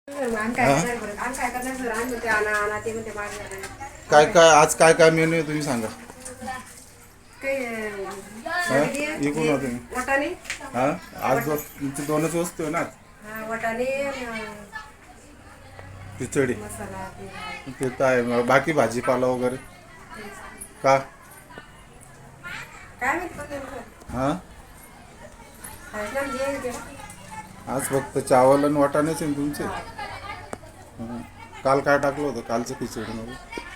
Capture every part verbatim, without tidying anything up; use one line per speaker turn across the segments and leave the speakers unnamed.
काय काय आज काय काय मेनू आहे तुम्ही सांगा. इकून होते
वाटाणे
हा आज दो तुमची दोनच वस्तू आहे ना.
वाटाणे
खिचडी
मसाला
ते तर आहे. बाकी भाजीपाला वगैरे का
काय माहिती
हा आज फक्त चावल आणि वाटाणेच आहे तुमचे. हं. काल काय टाकलं होतं कालचं खिचडीमध्ये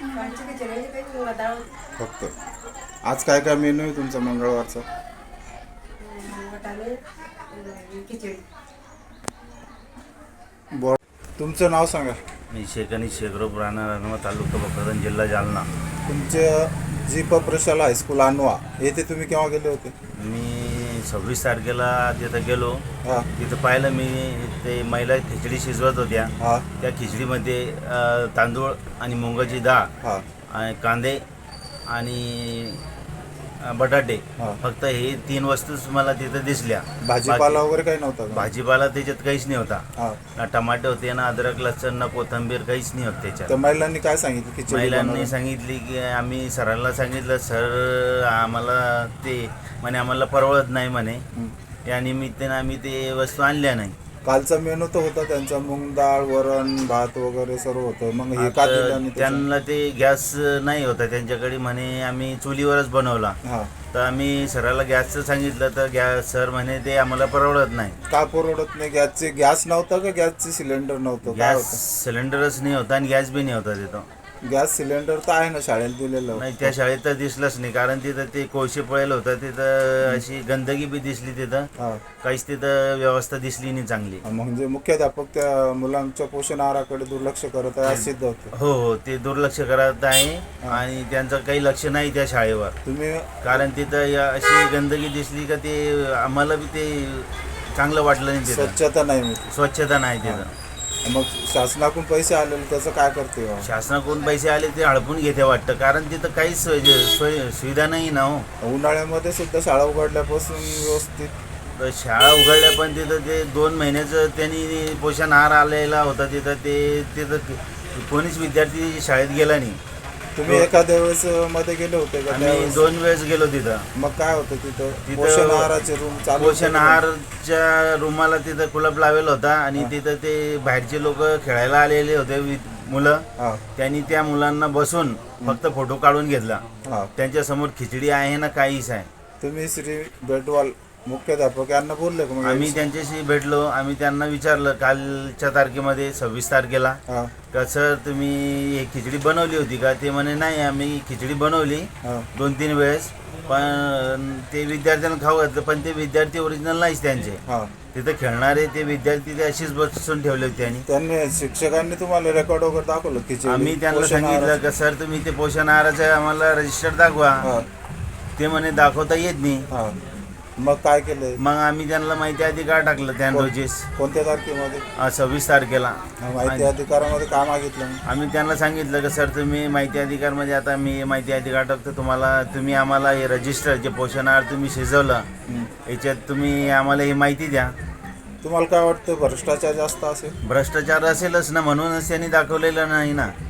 फक्त. आज काय काय मेनू आहे तुमचा मंगळवारचा. बोल तुमचं नाव सांगा.
मी शेखनी शेखरूप राहणार अनवा तालुका भोकरदन जिल्हा जालना.
तुमचे जी प प्रशाला हायस्कूल अनवा येथे तुम्ही केव्हा गेले होते.
मी सव्वीस तारखेला तिथं गेलो.
हां
तिथं पाहिलं मी ते महिला खिचडी शिजवत होत्या.
हां
त्या खिचडीमध्ये अ, तांदूळ आणि मुगाची डाळ
हां
आणि कांदे आणि अ, बटाटे
हां.
फक्त हे तीन वस्तूच मला तिथं दिसल्या.
भाजीपाला
बाकी-
वगैरे काही नव्हता का?
भाजीपाला त्याच्यात काहीच नाही होता.
हां
ना टमाटे होते ना अद्रक लसूण ना कोथिंबीर काहीच नाही होते त्याच्यात.
त्या महिलांनी काय सांगितलं खिचडी
महिलांनी
बनवायला?
सांगितली की आम्ही सरांना सांगितलं सर आम्हाला ते म्हणे आम्हाला परवडत नाही म्हणे.
हं.
या निमित्तानं आम्ही ते वस्तू आणल्या नाही.
कालचा मेनू तर होता त्यांचा मूग डाळ वरण भात वगैरे सर्व होतं. मग हे का दिलं
आता
आणि त्याचं-
त्यांना ते गॅस नाही होता त्यांच्याकडे म्हणे आम्ही चुलीवरच बनवला.
हां
तर आम्ही सराला गॅसचं सांगितलं तर गॅस सर म्हणे ते आम्हाला परवडत नाही.
का परवडत नाही. गॅसचे गॅस नव्हता का गॅसचे सिलेंडर नव्हतं काय
गॅस
होतं.
सिलेंडरच नाही होता आणि गॅस बी नाही होता तिथं.
गॅस सिलेंडर तर आहे ना शाळेत दिलेलं.
नाही त्या शाळेत तर दिसलंच नाही कारण तिथं ते कोळशे पळेल होतं. तिथं अशी गंदगी बी दिसली तिथं.
हां
काहीच तिथं व्यवस्था दिसली नाही चांगली.
म्हणजे मुख्याध्यापक त्या मुलांच्या पोषण आहाराकडे दुर्लक्ष करत आहे असं सिद्ध होतं.
हो हो ते दुर्लक्ष करत आहे आणि त्यांचं काही लक्ष नाही त्या शाळेवर.
तुम्ही
कारण तिथं या अशी गंदगी दिसली का ते आम्हाला बी ते चांगलं वाटलं नाही. तिथं
स्वच्छता नाही मिळते.
स्वच्छता नाही तिथं.
मग शासनाकडून पैसे आलेले त्याचं काय करते बा?
शासनाकडून पैसे आले ते हडपून घेते वाटतं कारण तिथं काहीच सोय सोय सुविधा नाही ना हो.
उन्हाळ्यामध्ये सुद्धा शाळा उघडल्यापासून व्यवस्थित
तर शाळा उघडल्या पण तिथं ते दोन महिन्याचं त्यांनी पोषण आहार आलेला होता तिथं ते तिथं कोणीच विद्यार्थी शाळेत गेला नाही.
तुम्ही एखाद्या वेळेस मध्ये गेले होते का
आम्ही
त्यावेळेस?
दोन वेळेस गेलो तिथं.
मग काय होतं तिथं
तिथं
पोषण आहाराचे रूम चालू होते
पोषण
का?
आहारच्या रूमाला तिथं कुलप लावेल होता आणि
हा.
तिथं ते बाहेरचे लोक खेळायला आलेले होते वि- मुलं.
हा
त्यांनी त्या मुलांना बसून फक्त फोटो काढून घेतला.
हा
त्यांच्या समोर खिचडी आहे ना काहीच आहे.
तुम्ही श्री बेटवाल मुख्याध्यापक यांना बोलले का मग
आम्ही त्यांच्याशी भेटलो. आम्ही त्यांना विचारलं कालच्या तारखेमध्ये सव्वीस तारखेला
हा
का सर तुम्ही हे खिचडी बनवली होती का. ते म्हणे नाही आम्ही खिचडी बनवली
हा
दोन तीन वेळेस पण ते विद्यार्थ्यांना खाऊ घातलं पण ते विद्यार्थी ओरिजिनल नाहीच त्यांचे.
हा
तिथं खेळणारे ते विद्यार्थी ते अशीच बसून ठेवले होते. त्यांनी
त्यांनी शिक्षकांनी तुम्हाला रेकॉर्ड वगैरे दाखवलं खिचडी
आम्ही त्यांना
पोषण
सांगितलं
आहाराचं?
का सर तुम्ही ते पोषण आहाराचं आम्हाला रजिस्टर दाखवा.
हा
ते म्हणे दाखवता येत नाही.
हा मग काय केलं.
मग आम्ही त्यांना माहिती अधिकार टाकलं त्या नोटीस
कोणत्या तारखेमध्ये
अं, सव्वीस तारखेला.
हा, माहिती अधिकारामध्ये काय मागितलं मग?
आम्ही त्यांना सांगितलं की सर तुम्ही माहिती अधिकारमध्ये आता मी माहिती अधिकार टाकतो तुम्हाला तुम्ही आम्हाला हे रजिस्टर जे पोषण आहार तुम्ही शिजवलं
हं.
याच्यात तुम्ही आम्हाला ही माहिती द्या.
तुम्हाला काय वाटतं भ्रष्टाचार जास्त असेल.
भ्रष्टाचार असेलच ना म्हणूनच त्यांनी दाखवलेलं नाही ना.